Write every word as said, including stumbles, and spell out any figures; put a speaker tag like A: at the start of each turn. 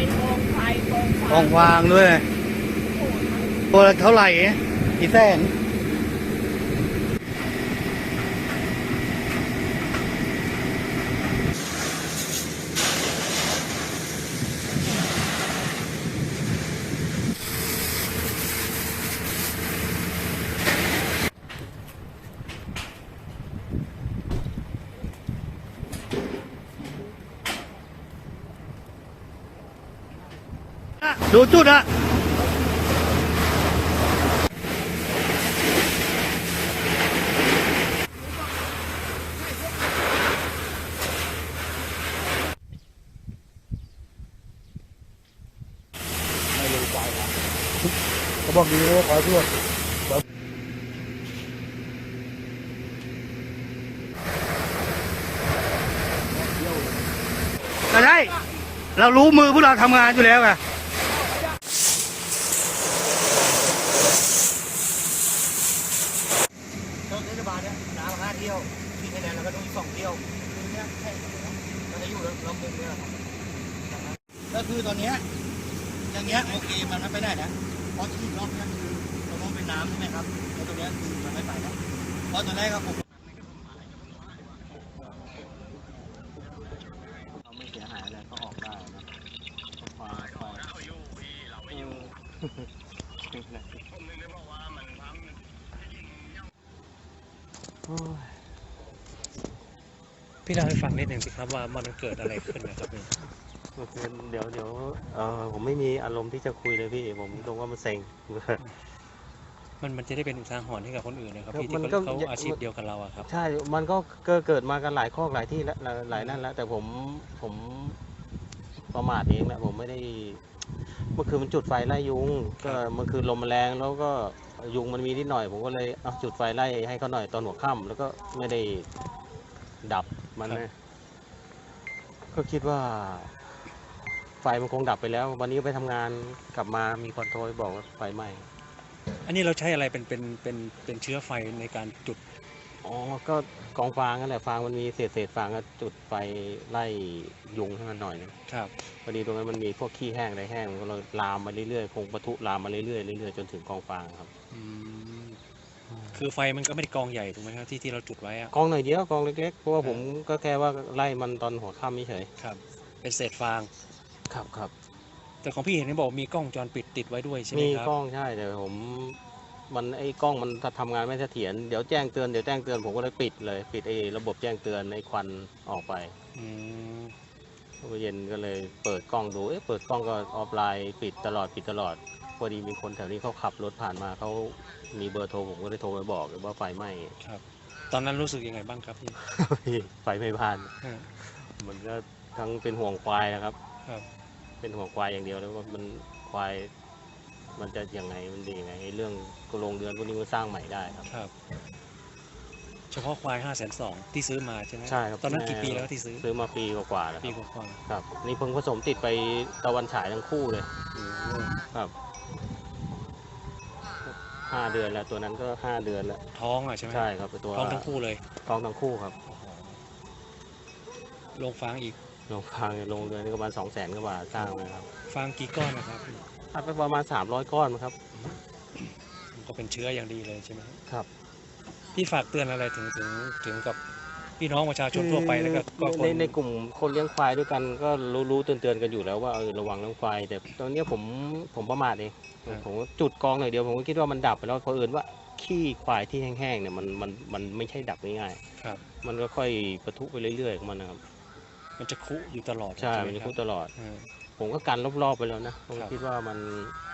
A: เป็นกองไฟกองฟาง
B: กองฟางด้วยตัวละเท่าไหร่กี่แสนดูจุดอะไม่ลงไปนะเขาบอกดีว่าขอเพื่อนก็ได้เรารู้มือพวกเราทำงานอยู่แล้วไงต้นเทศบาลเนี่ยน้ำห้าเที่ยวที่คะแนนเราก็ต้องสองเที่ยวเนี่ยแค่เราจะอยู่เรามุมเนี่ยก็คือตอนนี้อย่างเงี้ยโอเคมันไม่ไปได้นะเพราะที่ล็อกนั่นคือเราต้องเป็นน้ำใช่ไหมครับแล้วตรงนี้คือมันไม่ไปนะเพราะตอนแรกครับผมเราไม่เสียหายอะไรก็ออกได้นะควายควาย
C: พี่เล่าให้ฟังนิดหนึ่งสิครับว่ามันเกิดอะไรขึ้นนะครับพี่
D: เดี๋ยวเดี๋ยวเออผมไม่มีอารมณ์ที่จะคุยเลยพี่ผมตรงว่ามันเซ็ง
C: มันมันจะได้เป็นอุทาหรณ์ให้กับคนอื่นนะครับพี่
D: มั
C: ที่
D: นก็
C: เขาอาชีพเดียวกับเราอะครับ
D: ใช่มันก็เกิดมากันหลายข้อหลายที่แล้วหลายนั่นแล้วแต่ผมผมประมาทเองแหละผมไม่ได้เมื่อคืนมันจุดไฟไล่ยุงก็เมื่อคืนลมมันแรงแล้วก็ยุงมันมีนิดหน่อยผมก็เลยเอาจุดไฟไล่ให้เขาหน่อยตอนหัวค่ำแล้วก็ไม่ได้ดับมันนะก็คิดว่าไฟมันคงดับไปแล้ววันนี้ไปทำงานกลับมามีคนโทรบอกว่าไฟไหม้
C: อันนี้เราใช้อะไรเป็นเป็นเป็นเป็นเชื้อไฟในการจุด
D: อ๋อก็กองฟางนั่นแหละฟางมันมีเศษเศษฟางก็จุดไฟไล่ยุงให้มันหน่อยนึง
C: ครับ
D: พอดีตรงนั้นมันมีพวกขี้แห้งอะไรแห้งมันก็เลยลามมาเรื่อยๆคงปะทุลามมาเรื่อยๆเรื่อยๆจนถึงกองฟางครับ
C: อืมคือไฟมันก็ไม่ได้กองใหญ่ถูกไหมครับที่ที่เราจุดไว้อะ
D: กองหน่อยเดียวกองเล็กๆเพราะว่าผมก็แค่ว่าไล่มันตอนหัวค่ำไม่เฉย
C: ครับ เป็นเศษฟาง
D: ครับครับ
C: แต่ของพี่เห็นเขาบอกมีกล้องวงจรปิดติดไว้ด้วยใช่ไหม
D: มี
C: ครับ
D: กล้องใช่แต่ผมมันไอ้กล้องมันทำงานไม่เสถียรเดี๋ยวแจ้งเตือนเดี๋ยวแจ้งเตือนผมก็เลยปิดเลยปิดไอ้ระบบแจ้งเตือนไอ้ควันออกไป
C: อืม
D: เมื่อเย็นก็เลยเปิดกล้องดู เอ๊ะเปิดกล้องก็ออฟไลน์ปิดตลอดปิดตลอด พอดีมีคนแถวนี้เขาขับรถผ่านมาเขามีเบอร์โทรผมก็เลยโทรไปบอกว่าไฟไหม้
C: ครับ ตอนนั้นรู้สึกยังไงบ้างครับพี่
D: ไฟไหม้บ้าน
C: ฮะ
D: มันก็ทั้งเป็นห่วงควายนะครับ
C: ครับ
D: เป็นห่วงควายอย่างเดียวแล้วว่ามันควายมันจะยังไงมันดียังไงไอ้เรื่องกโรงเรือนพวกนี้มันสร้างใหม่ได้ครับ
C: ครับ เฉพาะควายห้าแสนสองที่ซื้อมาใช่ไหม
D: ใช่ครับ
C: ตอนนั้นกี่ปีแล้วที่ซื้อ
D: ซื้อมาปีกว่าๆแล้ว
C: ปี
D: ค
C: ก
D: รับ
C: ว่า
D: ครับ นี่เพิ่งผสมติดไปตะวันฉายทั้งคู่เลย
C: ๆอืม
D: ครับห้าเดือนแล้วตัวนั้นก็ห้าเดือนแล้ว
C: ท้องอ่ะใช่ไหม
D: ใช่ครับตัว
C: ท้องทั้งคู่เลย
D: ท้องทั้งคู่ครับ
C: โอ้โหลงฟางอีก
D: ลงทางลงเดือนนี่ประมาณสองแสนกว่าบาทสร้างมาครับ
C: ฟางกี่ก้อนนะครับ
D: อัดไปประมาณสามร้อยก้อนมั้งครับ
C: มันก็เป็นเชื้ออย่างดีเลยใช่ไหม
D: ครับ
C: พี่ฝากเตือนอะไรถึงถึงถึงกับพี่น้องประชาชนทั่วไปแล้วก็ก็ค
D: ใน
C: น
D: ในกลุ่มคนเลี้ยงควายด้วยกันก็รู้รู้เตือนเตือนๆกันอยู่แล้วว่าเออระวังเรื่องควายแต่ตอนนี้ผมผมประมาทเองผมจุดกองหน่อยเดียวผมก็คิดว่ามันดับไปแล้วเพราะเอิญว่าขี้ควายที่แห้งๆเนี่ยมันมันมันไม่ใช่ดับง่าย
C: ครับ
D: ๆมันก็ค่อยปะทุไปเรื่อยๆของมันนะครับ
C: มันจะคุอยู่ตลอด
D: ใช่
C: ไห
D: มันจะ
C: ครับ
D: พูดตลอด
C: เออ
D: ผมก็กันรอบๆไปแล้วนะผม
C: ครับ
D: คิดว่ามัน